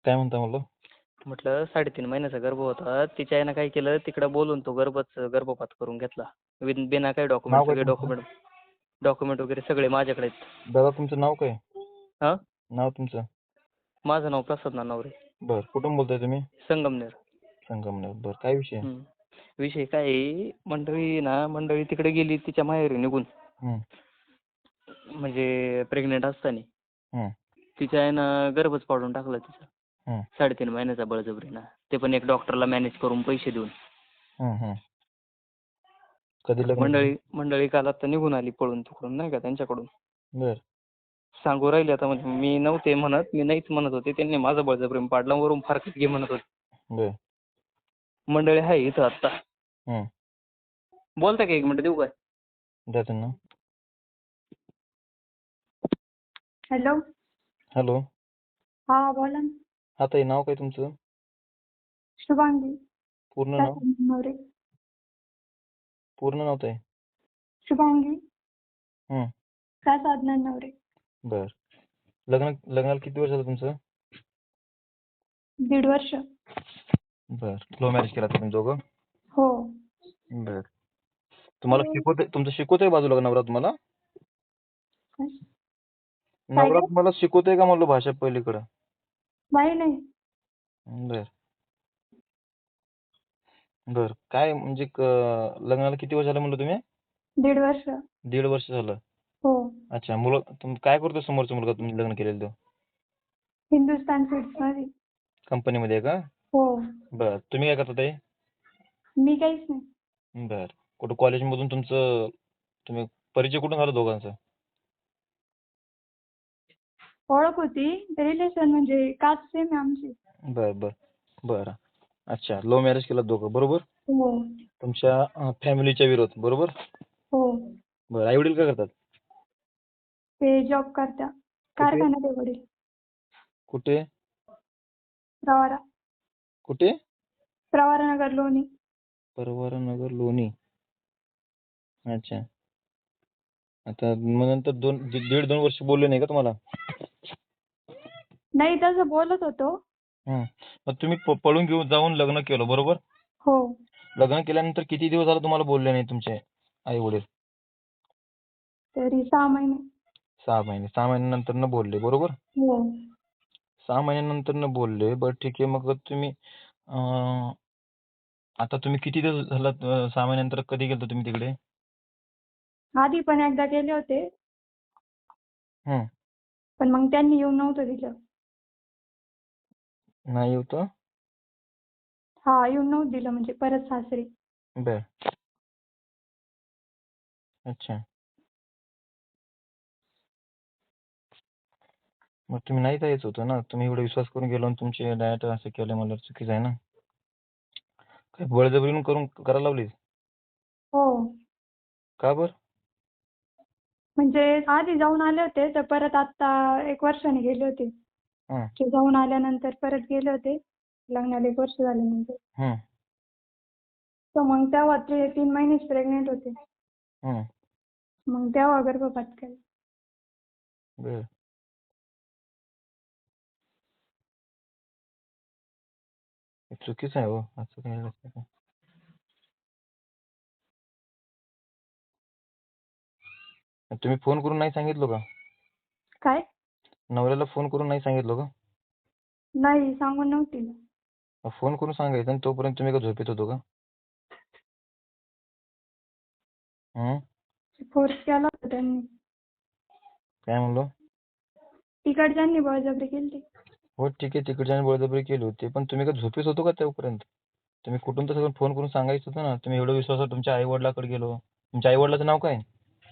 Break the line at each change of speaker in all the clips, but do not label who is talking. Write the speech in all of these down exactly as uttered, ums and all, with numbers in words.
काय म्हणता म्हणलं?
म्हटलं साडेतीन महिन्याचा गर्भ होता. तिच्या आईनं काय केलं, तिकडं बोलून तो गर्भच गर्भपात करून घेतला. विन बिना काही डॉक्युमेंट,
नाव काय
सगळे
तुमचं?
डॉक्युमेंट डॉक्युमेंट वगैरे सगळे माझ्याकडे आहेत.
दादा तुमचं नाव काय?
हां
नाव तुमचं?
माझं नाव प्रसाद नानावरे,
बर कुठून बोलताय तुम्ही?
संगमनेर.
संगमनेर. बर काय विषय?
हम्म. विषय काय आहे, मंडळी ना मंडळी तिकडे गेली तिच्या माहेरी निघून,
हम्म,
म्हणजे प्रेग्नेंट असताना
हम्म,
तिच्या आईनं गर्भच पाडून टाकला तिचा.
हम्म,
साडेतीन महिन्याचा बळजबरीनं, ते पण एक डॉक्टरला मॅनेज करून पैसे देऊन.
हम्म, हम्म. कधी
आता
लग्न झालं?
मंडळी मंडळी काल आता निघून आली पळून तिकडून, नाही का, त्यांच्याकडून.
बर
सांगू राहिले आता, म्हणजे मी नव्हते म्हणत, मी नाहीच म्हणत होते, त्यांनी माझं बळजबरीनं पाडला, वरून फारकत घे म्हणत होते.
बर
मंडळी आहे इथं आत्ता.
हम्म.
बोलता का एक मिनिट, देऊ काय?
द्या त्यांना.
हॅलो.
हॅलो.
हा बोला ना.
हा ताई, नाव काय तुमचं?
शुभांगी
पूर्ण नाव?
नवरे.
पूर्ण नाव ताई?
शुभांगी
हम्म.
प्रसाद नवरे.
बर लग्न लग्नाला किती वर्ष झालं तुमचं?
दीड वर्ष.
बर लव्ह मॅरेज केला तुम्ही दोघं?
हो.
बर तुम्हाला शिकवते, तुमचं शिकवतोय बाजूला का नवरा तुम्हाला?
काय
नवरा
काय?
तुम्हाला शिकवतोय का म्हणलं भाषा पहिलीकडं?
नाही नाही.
बर बर काय म्हणजे क- लग्नाला किती वर्ष झालं म्हणलं तुम्ही?
दीड वर्ष.
दीड वर्ष झालं.
हो.
अच्छा, मुलं तुम काय करतो समोरचा मुलगा तुम्ही लग्न केलेलं तो?
हिंदुस्तान सीड्स मध्ये.
कंपनीमध्ये आहे का?
हो.
बर तुम्ही काय करता ताई?
मी काहीच नाही.
बर कुठं कॉलेजमधून तुमचं तुम्ही परिचय कुठून झाला दोघांचा?
ओळख होती, रिलेशन म्हणजे कास्ट सेम आहे आमची.
बर बर बर अच्छा, लव्ह मॅरेज केलं दोघं बरोबर?
हो.
तुमच्या फॅमिलीच्या विरोध बरोबर?
हो.
बर आई वडील काय करतात?
ते जॉब करता कारखान्यात आहे वडील.
कुठे
प्रवारा
कुठे?
प्रवारानगर लोणी.
परवारानगर लोणी. अच्छा, आता मग नंतर दोन दीड दीड दोन वर्ष बोलले नाही का तुम्हाला?
नाही, तसं बोलत होतो.
हम्म. मग तुम्ही प- पळून घेऊन जाऊन लग्न केलं बरोबर?
हो.
लग्न केल्यानंतर किती दिवस झालं तुम्हाला बोलले नाही तुमचे आई वडील?
तरी सहा महिने.
सहा महिने. सहा महिन्यानंतर न बोलले बरोबर?
हो.
सहा महिन्यानंतर न बोलले. बरं ठीक आहे, मग तुम्ही अं, आता तुम्ही किती दिवस झाला अं, सहा महिन्यानंतर कधी गेलता तुम्ही तिकडे?
आधी पण एकदा गेले होते,
हम्म.
पण मग त्यांनी येऊन नव्हतं दिलं.
नाही होतं?
हा, येऊन नव्हतं दिलं म्हणजे परत सासरी.
बर अच्छा, मग तुम्ही नाही जायचं होतं ना, तुम्ही एवढा विश्वास करून गेलो आणि तुमचे डायरेक्ट असं केलं म्हणलं चुकीचं आहे ना. काय बळजबरीनं करून करायला लावली?
हो.
का बर?
म्हणजे आधी जाऊन आले होते, तर परत आता एक वर्षाने गेले होते.
हं,
ते जाऊन आल्यानंतर परत गेले होते लग्नाला एक वर्ष झाल्यानंतर.
हं,
तर मग तेव्हा ते तीन महिनेच प्रेग्नेंट होते.
हं.
मग तेव्हा गर्भपात केला.
बर हे चुकीचं आहे हो, असं काही नसतं का? तुम्ही फोन करून नाही सांगितलं का?
काय?
नवऱ्याला फोन करून नाही सांगितलं का?
नाही, सांगून नव्हती.
मग फोन करून सांगायचं आणि तोपर्यंत तुम्ही का झोपेत होतो का? हं?
फोर्स केला होता त्यांनी.
काय म्हणलो?
तिकडच्यांनी बळजबरी केली.
हो ठीक आहे, तिकडच्याने बळजबरी केली होती, पण तुम्ही का झोपेत होतो का तोपर्यंत? तुम्ही कुठून तर सगळं फोन करून सांगायचं होतं ना. तुम्ही एवढं विश्वासात तुमच्या आई वडिलाकडे गेलो. तुमच्या आई वडिलाचं नाव काय?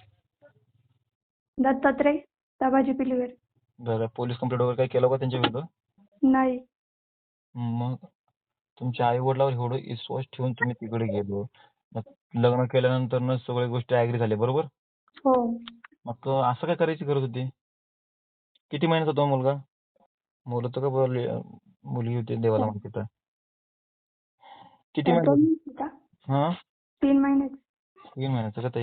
दत्तात्रय दाबाजी पिलीवर.
बरं पोलीस कंप्लेंट वगैरे काही केलं का त्यांच्या विरुद्ध?
नाही.
मग तुमच्या आई वडिलावर एवढं विश्वास ठेवून तुम्ही तिकडे गेलो. मग लग्न केल्यानंतर न सगळ्या गोष्टी ऍग्री झाल्या बरोबर?
हो.
मग असं काय करायची गरज होती? किती महिन्याचा होता मुलगा? मुलं तर का बोलली मुलगी होती देवाला माहिती तर. किती
तर दोन
महिन्याचा?
होता.
हा
तीन महिन्याचा.
तीन महिन्याचा का ताई?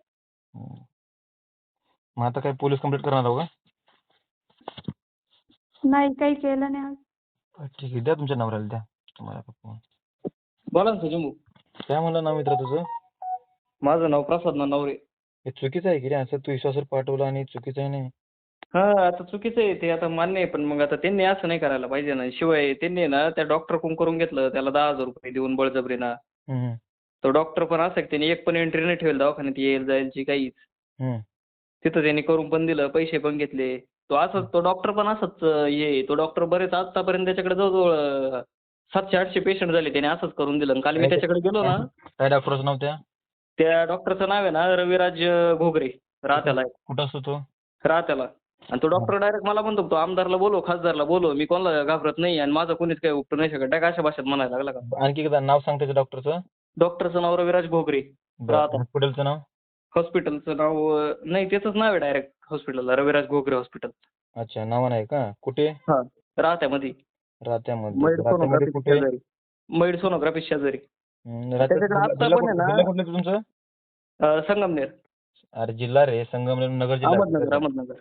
हं. मग आता काय पोलीस कंप्लेंट करणार आहो का?
नाही काही केलं नाही आज.
बरं, ठीक आहे. द्या तुमच्या नवऱ्याला द्या. तुम्हाला का फोन.
बोला ना सुजय भाऊ.
काय म्हणलं नाव मित्रा तुझं?
माझं नाव प्रसाद नानवरे.
हे चुकीचं आहे की रे, असं तू विश्वासावर पाठवलं आणि चुकीचं आहे नाही.
हा आता चुकीचं आहे ते, आता मान्य आहे, पण मग आता त्यांनी असं नाही करायला पाहिजे ना. शिवाय त्यांनी ना त्या डॉक्टर कोण करून घेतलं त्याला दहा हजार रुपये देऊन बळजबरीनं.
हम्म, हम्म,
तो डॉक्टर पण असं की त्यांनी एक पण एंट्री नाही ठेवली दवाखान्यात येईल जायची काहीच.
हम्म.
तिथं त्यांनी करून पण दिलं, पैसे पण घेतले. तो असंच तो डॉक्टर पण असंच अं, हे तो डॉक्टर बरेच आतापर्यंत त्याच्याकडे जवळजवळ अं, सातशे आठशे पेशंट झाले, त्याने असंच करून दिलं. आणि काल मी त्याच्याकडे गेलो ना,
काय डॉक्टरचं नाव त्या?
त्या डॉक्टरचं नाव आहे ना रविराज अं, घोगरे. राहत्याला आहे.
कुठं असतो तो?
राहत्याला. आणि तो डॉक्टर डायरेक्ट मला म्हणतो, तो आमदारला बोलव, खासदारला बोलव, मी कोणाला घाबरत नाही आणि माझं कोणीच काही उपटू नाही शकत. डायरेक्ट अशा भाषेत म्हणायला लागला का.
आणखी एकदा नाव सांग त्याच्या डॉक्टरचं.
डॉक्टरचं नाव रविराज घोगरे. राहता.
हॉस्पिटलचं नाव?
हॉस्पिटलचं नाव अं, नाही त्याचंच नाव आहे डायरेक्ट हॉस्पिटलला, रविराज घोगरे हॉस्पिटल.
अच्छा, नाव नाही का? कुठे?
हां राहत्यामध्ये.
राहत्यामध्ये.
मैड
राहत्यामध्ये
सोनोग्राफी
कुठे?
शेजारी. मैड सोनोग्राफी शेजारी.
हम्म, राहत्यात
त्याच्याकडे
जिल्हा
आत्ता
जिल्हा
पण आहे
कुठला
ना
जिल्हा कुठला आहे तुमचं?
अं, संगमनेर.
अरे जिल्हा रे, संगमनेर नगर जिल्हा आहे
अहमदनगर
कुठला?
अहमदनगर.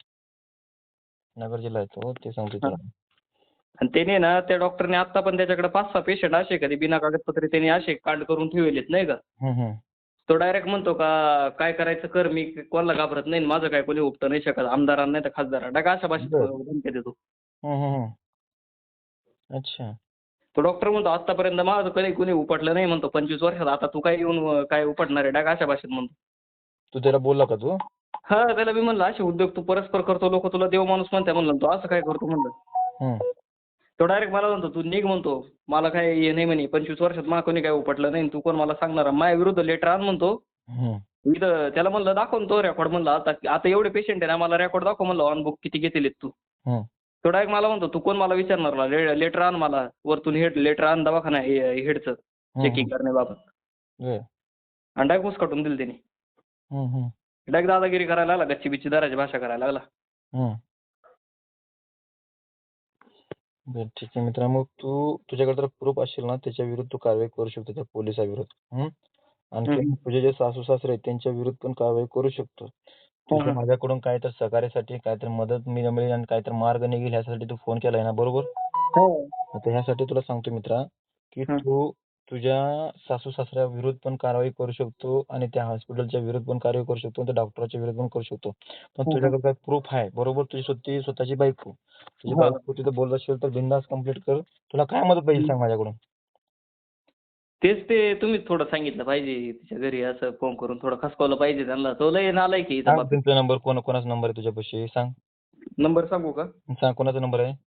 नगर जिल्हा आहे तो, ते सांगतो
हां.
तुला.
आणि त्याने ना त्या डॉक्टरने आता पण त्याच्याकडे पाच सहा पेशंट असे कधी बिना कागदपत्रे त्यांनी असे कांड करून ठेवलेत नाही का.
हम्म, हम्म.
तो डायरेक्ट म्हणतो का काय करायचं कर, मी कोणाला घाबरत नाही आणि माझं काय कोणी उपटं नाही शकत, आमदारांना नाही तर खासदारांना. डायरेक्ट अशा भाषेत
बरं.
धमक्या देतो.
हम्म, हम्म, हम्म. अच्छा.
तो डॉक्टर म्हणतो आतापर्यंत माझं कधी कोणी उपटलं नाही म्हणतो पंचवीस वर्षात, आता तू काय येऊन अं, काय उपटणार आहे. डायरेक्ट अशा भाषेत म्हणतो.
तू त्याला बोलला का तू?
हा त्याला मी म्हणलं असे उद्योग तू परस्पर करतो, लोक तुला देव माणूस म्हणते म्हणलं, तू असं काय करतो म्हणलं.
हम्म.
तो डायरेक्ट मला म्हणतो तू निघ म्हणतो, मला काय हे नाही म्हणे, पंचवीस वर्षात मला कोणी काय उपटलं नाही, तू कोण मला सांगणार, माझ्या विरुद्ध लेटर आण म्हणतो.
हम्म.
मी तर त्याला म्हणलं दाखव ना तो रेकॉर्ड म्हणलं, आता आता एवढे पेशंट आहे ना, मला रेकॉर्ड दाखव म्हणलं, ऑन बुक किती घेतलेत तू.
हम्म.
तो डायरेक्ट मला म्हणतो तू कोण मला विचारणार, लेटर आण मला वरतून, हेड लेटर आण दवाखाना हेडचं चेकिंग करण्याबाबत.
बरं.
आणि डायरेक्ट उसकाटून दिलं त्याने.
हम्म, हम्म.
डायरेक्ट दादागिरी करायला लागला, गच्ची बिच्ची दाराची भाषा करायला लागला.
हम्म. बरं, ठीक आहे मित्रा. मग तू तुझ्याकडे जर प्रूफ असेल ना, त्याच्या विरुद्ध तू कारवाई करू शकतो त्या पोलिसाविरुद्ध. हम्म. आणखी
हम्म.
तुझे जे सासू सासरे आहेत त्यांच्या विरुद्ध पण कारवाई करू शकतो. तुझ्या
हम्म.
माझ्याकडून काय तर सहकार्यासाठी काहीतरी मदत मी मिळेल आणि काहीतरी मार्ग निघेल ह्यासाठी तू फोन केलाय ना, बरोबर?
हो.
आता ह्यासाठी तुला सांगतो मित्रा, की
हम्म.
तू तुझ्या सासू सासऱ्या विरुद्ध पण कारवाई करू शकतो आणि त्या हॉस्पिटलच्या विरुद्ध पण कारवाई करू शकतो आणि त्या डॉक्टरच्या विरुद्ध पण करू शकतो. पण
हम्म.
तुझ्याकडे काय प्रूफ आहे, बरोबर? तुझी स्वतःची स्वतःची बायको. तुझी
हा.
बायको तिथं बोलत असेल तर बिनधास्त कंप्लीट कर. तुला काय मदत पाहिजे सांग माझ्याकडून.
तेच ते तुम्हीच थोडं सांगितलं पाहिजे, तिच्या घरी असं फोन करून थोडं खसकावलं पाहिजे त्यांना. तो लय नालायक आहे इथं
सांग
बाप.
तुमचा नंबर, कोण कोणाचा नंबर आहे तुझ्यापाशी सांग.
नंबर सांगू का?
सांग कोणाचा नंबर आहे,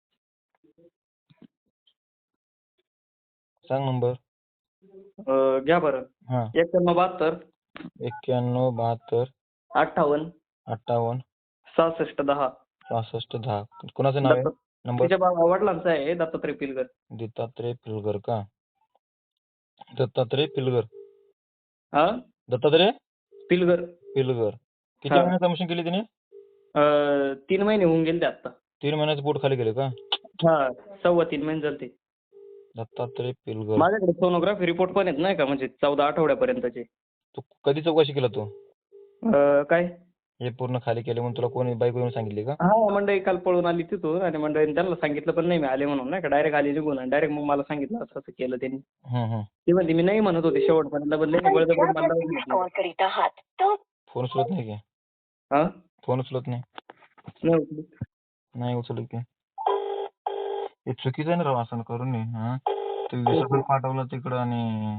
सांग नंबर.
अं, घ्या बरं.
हा.
एक्क्याण्णव बहात्तर
एक्क्याण्णव बहात्तर
अठ्ठावन्न
अठ्ठावन्न
सहासष्ट दहा.
सहासष्ट दहा. कोणाचं नाव आहे
दत्त
नंबर?
तिच्या बा- वडिलांचा आहे दत्तात्रय पिलगर.
दत्तात्रय पिलगर का? दत्तात्रय पिलगर.
हा
दत्तात्रय
पिलगर.
पिलगर. किती
हा.
महिन्यात कमिशन केली तिने?
अं, तीन महिने होऊन गेले ते आता.
तीन महिन्याचं पोट खाली गेले का?
हा सव्वा तीन महिने झाले ते.
दत्तात्रय पिलगर.
माझ्याकडे सोनोग्राफी रिपोर्ट पण आहेत नाही का, म्हणजे चौदा आठवड्यापर्यंतचे.
तू कधी चौकशी केला तू?
अं, काय
हे पूर्ण खाली केले म्हणून तुला कोणी बायको येऊन सांगितली का?
हा मंडळी काल पळून आली तिथून आणि मंडळीने त्यांना सांगितलं पण नाही मी आले म्हणून नाही का, डायरेक्ट आली निघून आणि डायरेक्ट मग मला सांगितलं असं असं केलं त्यांनी.
हम्म, हम्म.
ती म्हणते मी नाही म्हणत होते शेवटपर्यंत, बदले बळजबरी मला लावून घेतलं.
फोन उचलत नाही की?
हा
फोन उचलत नाही?
नाही उचलत.
नाही उचलत की? हे चुकीचं आहे ना राव, असं करून नये. हा, तू विश्वासावर पाठवलं तिकडं आणि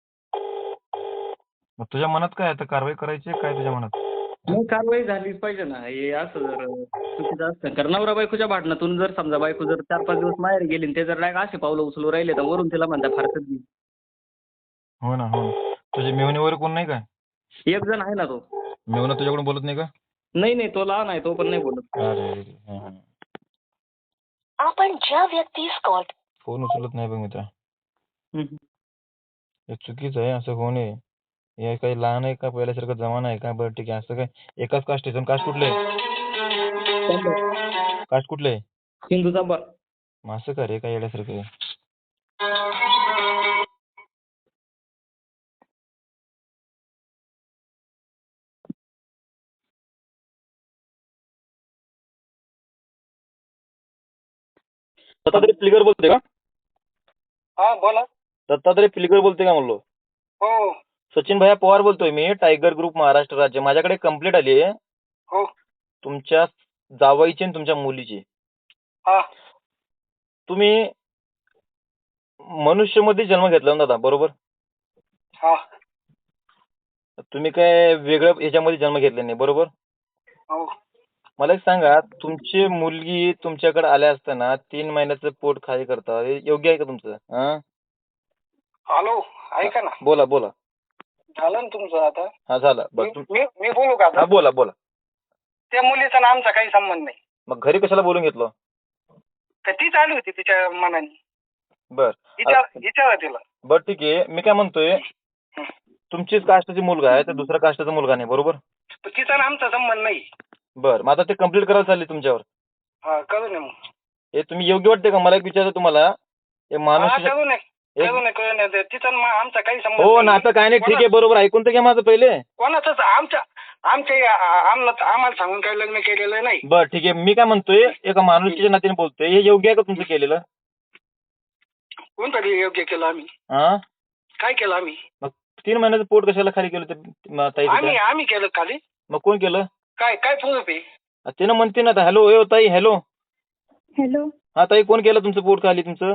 मग तुझ्या मनात काय आहे, तर कारवाई करायची आहे काय तुझ्या मनात?
मग कारवाई झालीच पाहिजे ना. हे असं जर चुकीचं असतं, कारण नवरा बायकोच्या भांडणातून जर समजा बायको जर चार पाच दिवस माहेर गेली आणि ते जर डायरेक्ट असे पावलं उचलू राहिले तर वरून तिला म्हणता फारकत नाही.
हो ना, हो ना. तुझे मेवणे वगैरे कोण नाही काय?
एक जण आहे ना तो.
मेवणा तुझ्याकडून बोलत नाही का?
नाही नाही तो लहान आहे, तो पण नाही बोलत.
अरे रे, हा, हा.
आपण ज्या व्यक्तीस कॉल
फोन उचलत नाही बघ मित्रा.
हम्म.
हे चुकीचं आहे, असं होऊ नये. हे काही लहान आहे का, पहिल्यासारखं जमाना आहे का? बरं ठीक आहे, असं काय एकाच कास्ट आहे. कास्ट कुठले? कास्ट कुठले?
हिंदू चांबा.
मग असं का रे, काय येण्यासारखं आहे? दत्तात्रय पिलगर बोलते का?
हा बोला.
दत्तात्रय पिलगर बोलते का म्हणलो?
हो
सचिन भैया पवार बोलतोय मी, टायगर ग्रुप महाराष्ट्र राज्य. माझ्याकडे कंप्लेंट आली आहे
हो
तुमच्या जावईची आणि तुमच्या मुलीची.
हा
तुम्ही मनुष्यमध्ये जन्म घेतला ना दादा, बरोबर?
हा
तुम्ही काय वेगळ्या ह्याच्यामध्ये जन्म घेतले नाही, बरोबर?
हो
मला एक सांगा, तुमची मुलगी तुमच्याकडे आल्या असताना तीन महिन्याचं पोट खाली करता, हे योग्य आहे का तुमचं? हा
हॅलो ऐका ना.
बोला बोला.
झालं ना तुमचं आता.
हा झालं बरं.
मी
तुम-
मी- मी बोलू का
हा
आता?
बोला बोला.
त्या मुलीचा ना आमचा काही संबंध नाही.
मग घरी कशाला बोलून घेतलं?
तर तीच आली होती तिच्या मनाने.
बर
विचार विचारा तिला.
बर ठीक आहे. मी काय म्हणतोय, तुमचीच कास्टची मुलगा आहे तर दुसऱ्या कास्टचा मुलगा नाही, बरोबर?
तर तिचा ना आमचा संबंध नाही.
बर मग आता ते कंप्लीट करायला चालली तुमच्यावर.
हा करू नये मग.
हे तुम्ही योग्य वाटते का? मला एक विचारायचं तुम्हाला, हे
हा
माणूस
करू नये
एक-
करू नये करू नये. ते तिचा आणि मा- आमचा काही संबंध
हो
नाही.
नातं काय नाही, ठीक आहे बरोबर. ऐकून तर घ्या माझं पहिले.
कोणाचंच आमच्या आमच्या आम्हाला आम्हाला सांगून काही लग्न केलेलं नाही.
बर ठीक आहे. मी काय म्हणतोय, एका माणुसकीच्या नात्याने बोलतोय, हे योग्य आहे का तुमचं केलेलं?
कोणतरी योग्य केलं आम्ही.
हा
काय केलं आम्ही?
मग तीन महिन्याचं पोट कशाला खाली केलं ते म- ताई
आम्ही
तिथं?
आम्ही केलं खाली.
मग कोण केलं?
काय काय प्रूफ आहे?
तिनं म्हणते ना, हॅलो ए ताई, हॅलो.
हॅलो.
हा ताई, कोण केलं तुमचं पोट खाली तुमचं?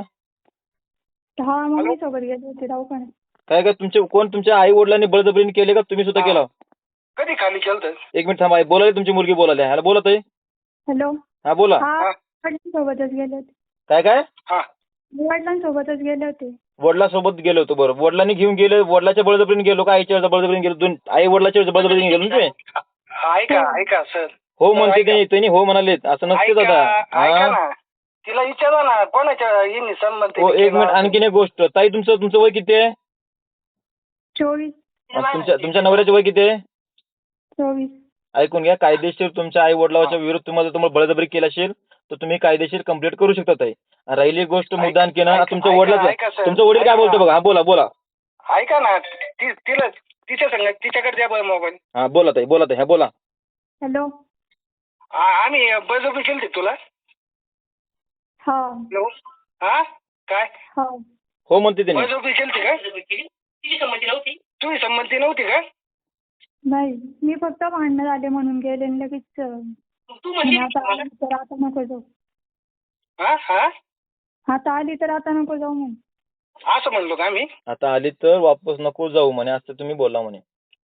हा मम्मी सोबत गेले होते दवाखान्यात.
काय काय तुमचे कोण तुमच्या आई वडिलांनी बळजबरीने केले का तुम्ही सुद्धा
हा.
केला?
कधी खाली केलं तर?
एक मिनिट थांबा, बोलायला तुमची मुलगी बोलायला. हॅलो बोला ताई.
हॅलो.
हा बोला.
हा
हा.
वडिलांसोबतच गेले होते.
काय काय
हा
वडिलांसोबतच गेले होते.
वडिलांसोबत गेलो होतो. बरं, वडिलांनी घेऊन गेले, वडिलाच्या बळजबरीने गेलो का आईच्या बळजबरीने गेलो? दोन आई वडिलाच्या बळजबरीने गेलो ना तुम्ही?
ऐका ऐका सर.
हो म्हणते
ऐका.
ते, त्यांनी हो म्हणाले, असं नसते दादा.
ऐका ऐका
हा
ना. तिला विचारा ना कोणाच्या येणी संबंध
हो
तिने
एक मिनिट,
केला?
आणखीन एक गोष्ट. ताई तुमचं तुमचं वय किती आहे?
चोवीस.
आणि तुमच्या तुमच्या नवऱ्याचं वय किती आहे?
चोवीस.
ऐकून घ्या, कायदेशीर तुमच्या आई वडिलाच्या विरुद्ध तुम्हाला तुम्हाला बळजबरी केली असेल तर तुम्ही कायदेशीर कंप्लेंट करू शकता ताई. आणि राहिली एक गोष्ट मुद्दा आणखी ना,
ऐका-
तुमच्या
ऐका-
वडिलाचं
ऐका सर.
तुमचं वडील काय
ऐका
बोलतो
ना.
बघा. हा बोला बोला.
ऐका ना ती तिला तिच्या संग तिच्याकडे द्या बरं मोबाईल.
हा बोला ताई, बोला ताई, हा बोला.
हॅलो.
आम्ही बळजबरी केली तुला?
हा.
हॅलो. हा काय
हा.
हो म्हणते त्यांनी.
बळजबरी केली का? तुझी संमती नव्हती? तुझी संमती नव्हती का?
नाही मी फक्त भांडणं झाले म्हणून गेले आणि लगेच अं,
तू
म्हणे आता आली तर आता नको जाऊ.
हा हा
आता आली तर आता नको जाऊ म्हणून.
असं म्हणलो का आम्ही?
आता आली तर वापस नको जाऊ म्हणे, असं तुम्ही बोला म्हणे.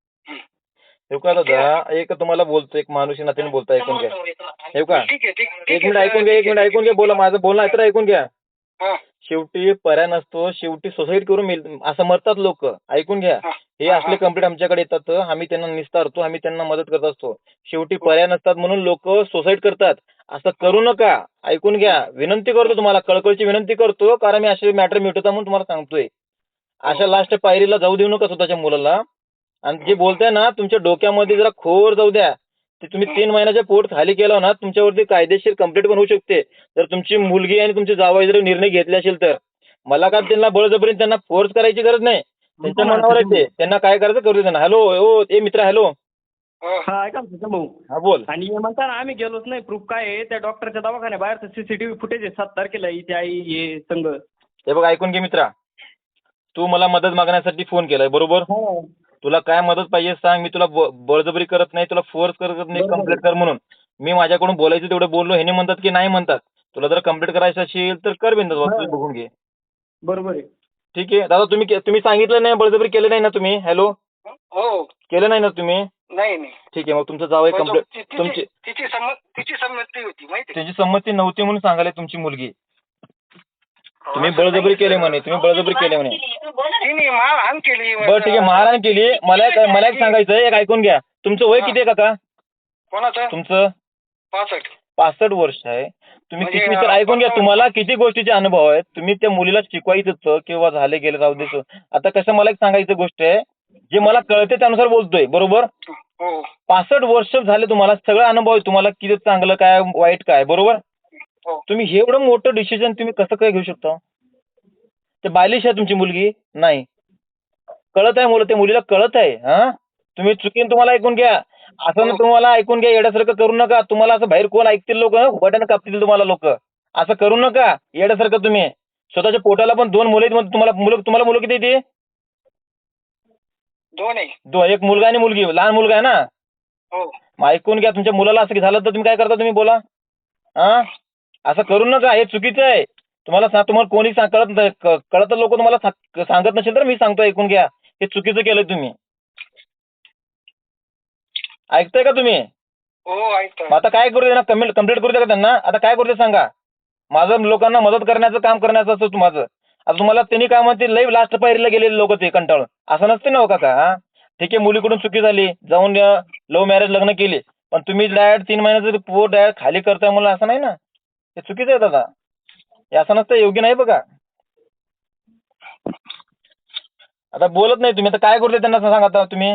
हे का दादा, एक तुम्हाला बोलतो, एक माणूस नात्याने बोलता, ऐकून घ्या. हे का
ठीक आहे ठीक
एक मिनिट ऐकून घ्या, एक मिनिट ऐकून घ्या, बोला माझं बोलणं आहे तर ऐकून घ्या.
हा
शेवटी पर्याय नसतो, शेवटी सोसाईट करून मिळ असं मरतात लोक. ऐकून घ्या,
हा.
हे असले कंप्लेंट आमच्याकडे येतात, आम्ही त्यांना निस्तारतो, आम्ही त्यांना मदत करत असतो. शेवटी पर्याय नसतात म्हणून लोक सुसाईड करतात. असं करू नका. ऐकून घ्या, विनंती करतो तुम्हाला, कळकळीची विनंती करतो, कारण मी असे मॅटर मिटवता म्हणून तुम्हाला सांगतोय. अशा लास्ट पायरीला जाऊ देऊ नका स्वतःच्या मुलाला. आणि जे बोलताय ना, तुमच्या डोक्यामध्ये जरा खोर जाऊ द्या. ते तुम्ही तीन महिन्याच्या पोट खाली केलं ना, तुमच्यावरती कायदेशीर कंप्लेंट पण होऊ शकते. जर तुमची मुलगी आणि तुमची जावई जर निर्णय घेतले असेल तर. मला काय त्यांना बळजबरीने त्यांना फोर्स करायची गरज नाही. त्यांच्या मनावर येते, त्यांना काय करायचं करू दे त्यांना. हॅलो ओ ए मित्र, हॅलो.
हा ऐका ना तुझं भाऊ.
हा बोल.
आणि हे म्हणता ना आम्ही गेलोच नाही. प्रूफ काय आहे? त्या डॉक्टरच्या दवाखान्या बाहेरचं सीसीटीव्ही फुटेज आहे सात तारखेला इथे आई हे संघ.
हे बघ ऐकून घे मित्रा, तू मला मदत मागण्यासाठी फोन केलाय, बरोबर?
हो.
तुला काय मदत पाहिजे सांग, मी तुला ब- बळजबरी करत नाही, तुला फोर्स करत नाही
बरोबर.
कंप्लेंट कर म्हणून. मी माझ्याकडून बोलायचं तेवढं बोललो, ह्याने म्हणतात की नाही म्हणतात. तुला जर कंप्लेंट करायचं असेल तर कर बिंदास,
हा.
तू बघून घे.
बरोबर आहे.
ठीक आहे दादा, तुम्ही के- तुम्ही सांगितलं नाही, बळजबरी केलं नाही ना तुम्ही? हॅलो,
हो
केलं नाही ना तुम्ही?
नाही नाही
ठीक आहे, मग तुमचं जावं कंप्लेंट.
तिची
तुमची
तिची संमत तिची संमती होती माहिती आहे?
त्याची संमती नव्हती म्हणून सांगायला तुमची मुलगी. तुम्ही
असं
बळजबरी
नाही.
केले म्हणे, तुम्ही बळजबरी केले म्हणे.
तिने मारहाण केली.
बरं ठीक आहे, महाराण केली. मला एक मला एक सांगायचं आहे, एक ऐकून घ्या. तुमचं वय
हा.
किती आहे काका?
कोणाचं?
तुमचं
पासष्ट.
पासष्ट वर्ष आहे. तुम्ही
म्हणजे,
किती तर ऐकून घ्या,
पंचावन्न.
तुम्हाला किती गोष्टीचे अनुभव आहेत. तुम्ही त्या मुलीला शिकवायचं होतं किंवा झाले गेले राहू देतो. आता कसं मला एक सांगायचं गोष्ट आहे, जे मला कळते त्यानुसार बोलतोय, बरोबर?
हो
पासष्ट वर्ष झाले, तुम्हाला सगळं अनुभव आहे, तुम्हाला किती चांगलं काय वाईट काय, बरोबर?
हो
तुम्ही हे एवढं मोठं डिसिजन तुम्ही कसं काय घेऊ शकता? ते बालिश आहे तुमची मुलगी? नाही, कळत आहे मुलं, त्या मुलीला कळत आहे. हा, तुम्ही चुकीन तुम्हाला ऐकून घ्या. असं ना तुम्हाला ऐकून घ्या, येण्यासारखं करू नका. तुम्हाला असं बाहेर कोण ऐकतील लोक, बटन कापतील तुम्हाला लोक. असं करू नका येण्यासारखं तुम्ही. स्वतःच्या पोटाला पण दोन मुलं आहेत म्हणून तुम्हाला मुलं तुम्हाला मुलं किती येते?
दोन आहे.
दो एक मुलगा आणि मुलगी. लहान मुलगा आहे ना?
हो.
मग ऐकून घ्या. तुमच्या मुलाला असं झालं तर तुम्ही काय करता तुम्ही बोला. हा असं करू नका. हे चुकीचं आहे. तुम्हाला सांग तुम्हाला कोणी सांग कळत नाही क- कळत लोक तुम्हाला सांग- सांगत नसेल तर मी सांगतो ऐकून घ्या. हे चुकीचं केलंय तुम्ही. ऐकताय का तुम्ही?
हो ऐकतो.
मग आता काय करू दे ना कमेंट कंप्लीट करू दे का त्यांना? आता काय करू दे सांगा. माझं लोकांना मदत करण्याचं काम करण्याचं असतं माझं. आता तुम्हाला त्यांनी काय म्हणते लई लास्ट पायरीला गेलेले लोक ते कंटाळून. असं नसते ना हो काका. हा ठीक आहे मुलीकडून चुकी झाली जाऊन लव्ह मॅरेज लग्न केली पण तुम्ही डायरेक्ट तीन महिन्याचं पोट डायरेक्ट खाली करताय मला असं नाही ना. हे चुकीचं आहे दादा. हे असं नसतं योग्य नाही बघा. आता बोलत नाही तुम्ही. आता काय करू दे त्यांना सांगा आता तुम्ही.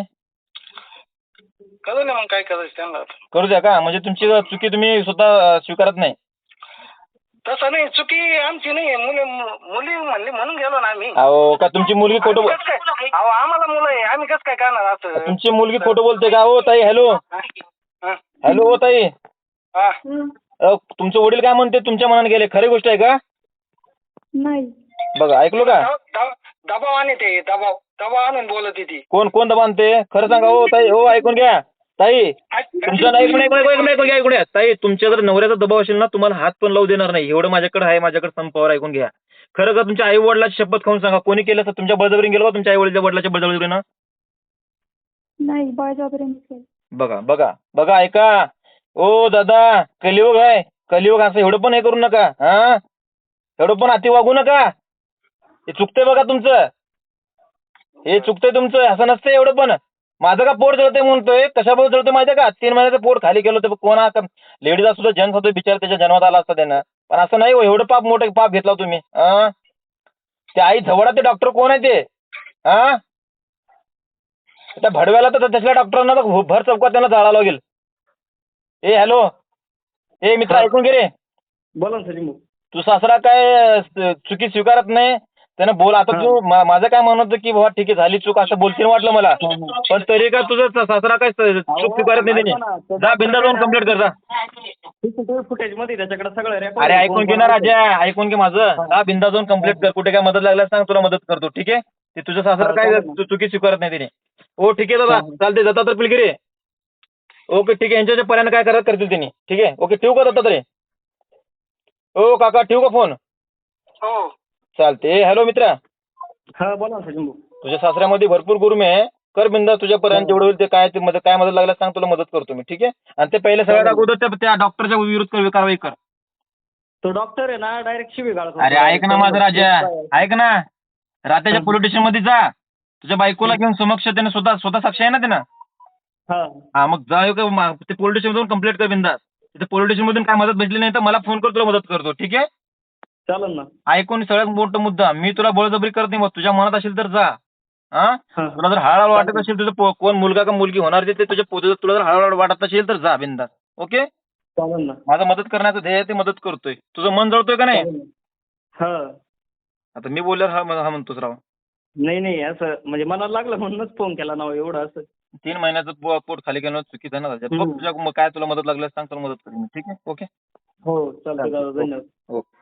कळलं ना मग काय करायचं त्यांना आता.
करू द्या का म्हणजे तुमची चुकी तुम्ही स्वतः अं, स्वीकारत नाही.
तसं नाही चुकी आमची नाही मुली मुली म्हणली म्हणून गेलो ना आम्ही.
अहो का तुमची मुलगी खोटं
आम्ही
बोल-
कसं काय अहो आम्हाला मुलं आहे आम्ही कसं काय करणार असं.
तुमची मुलगी खोटं बोलते का? हो ताई हॅलो
हा.
हॅलो हो ताई.
हा.
अहो, तुमचे वडील काय म्हणते तुमच्या मनाने गेले खरी गोष्ट आहे का?
नाही.
बघा ऐकलो का?
दब- दब- दबाव आणि ते दबाव दबाव आणून बोलत ती.
कोण कोण दबानते खरं सांगा. हो ताई हो ऐकून घ्या ताई. तुमचं नाही ऐकून ऐकून ऐकून ऐकून घ्या ऐकून घ्या ताई. तुमच्या जर नवऱ्याचा दबाव असेल ना तुम्हाला हात पण लावू देणार नाही. एवढं माझ्याकडे आहे माझ्याकडे संपावर ऐकून घ्या. खरं का तुमच्या आई वडिलाची शपथ खाऊन सांगा कोणी केलं तर तुमच्या बळजबरीने गेलो का तुमच्या आई वडिलाच्या वडिलाच्या बळजबरीनं?
नाही बळजबरीने केलं.
बघा बघा बघा ऐका. ओ दादा कलियुग आहे कलियुग. असं एवढं पण हे करू नका. हा एवढं पण अति वागू नका. हे चुकतंय बघा तुमचं. हे चुकतंय तुमचं. असं नसतं एवढं पण. माझं का पोट जळतंय म्हणतोय कशाबद्दल जळतोय माहितीये का? तीन महिन्याचं पोट खाली केलं होतं कोणा लेडीज सुद्धा जन्म होतो बिचार त्याच्या जन्मात आला असता त्यानं. पण असं नाही हो एवढं पाप मोठं पाप घेतला तुम्ही. हा ते आई झवडा ते डॉक्टर कोण आहे ते? हा त्या भडव्याला तर तसल्या डॉक्टरांना तर भर चौकात त्यांना जाळावं लागेल. ए हॅलो ए मित्र ऐकून घे रे.
बोला ना सचिन भाऊ.
तू सासरा काय स- चुकी स्वीकारत नाही त्यानं बोल. आता तू मा- माझं काय म्हणत होतं की बाबा ठीक आहे झाली चूक असं बोलशील वाटलं मला पण तरी काय तुझं सा- सासरा काय स- चूक स्वीकारत नाही त्याने. जा बिंदा जाऊन कंप्लीट कर जा.
सीसीटीव्ही फुटेज मध्ये त्याच्याकडे सगळं रेकॉर्ड.
अरे ऐकून घे ना राजा ऐकून घे माझं. जा बिंदा जाऊन कंप्लीट कर. कुठे काय मदत लागल्यास सांग तुला मदत करतो. ठीक आहे ते तुझं सासरा काय चु- चुकी स्वीकारत नाही त्याने. हो ठीक आहे दादा चालते जाता तर पिलगिरी. ओके ठीक आहे यांच्या पर्यंत काय करत करतील त्यांनी. ठीक आहे ओके ठेवू का दत्ता तरी? हो काका ठेवू का फोन?
हो.
चालते. हॅलो मित्रा
हा बोला ना सचिन भाऊ.
तुझ्या सासऱ्यामध्ये भरपूर गुरुमे आहे. कर बिंदा तुझ्यापर्यंत जेवढं होईल ते काय ते मदत काय मदत लागल्यास सांग तुला मदत करतो मी. ठीक आहे आणि ते पहिले सगळ्यात अगोदर त्या- त्या डॉक्टरच्या विरुद्ध कर- कारवाई कर.
तो डॉक्टर आहे ना डायरेक्ट शिवी गाळत
अरे ऐक ना माझं राजा ऐक ना. रात्याच्या पोलीस स्टेशन मध्ये जा. तुझ्या बायकोला घेऊन समक्ष त्याने स्वतः स्वतः साक्ष आहे ना त्यानं.
हा
हा मग जा एक मा- ते पोलीस स्टेशन जाऊन कंप्लेंट कर बिंदास. तिथे पोलीस स्टेशन मधून काय मदत भेटली नाही तर मला फोन कर तुला मदत करतो. ठीक आहे
चालेल ना.
ऐकून सगळ्यात मोठा मुद्दा मी तुला बळजबरी करत नाही. मग तुझ्या मनात असेल तर जा. हा
हा.
तुला जर हळूहळू वाटत असेल तुझं पो- कोण मुलगा का मुलगी होणार ते तुझ्या पोते तुला जर हळूहळू वाटत असेल तर जा बिंदास. ओके
चालेल ना.
माझं मदत करण्याचं ध्येय आहे ते मदत करतोय. तुझं मन जळतोय का नाही?
चालेल ना. हा
आता मी बोलल्यावर हा हा म्हणतोस राव.
नाही नाही असं म्हणजे मनाला लागलं म्हणूनच फोन केला ना हो, एवढं असं.
तीन महिन्याचं पो- पोट खाली केलं चुकीचं आहे ना राजा. बघ
हम्म.
तुझ्या मग काय तुला मदत लागल्यास सांग तुला मदत करेन मी. ठीक आहे ओके
हो चालतं दादा धन्यवाद.
ओके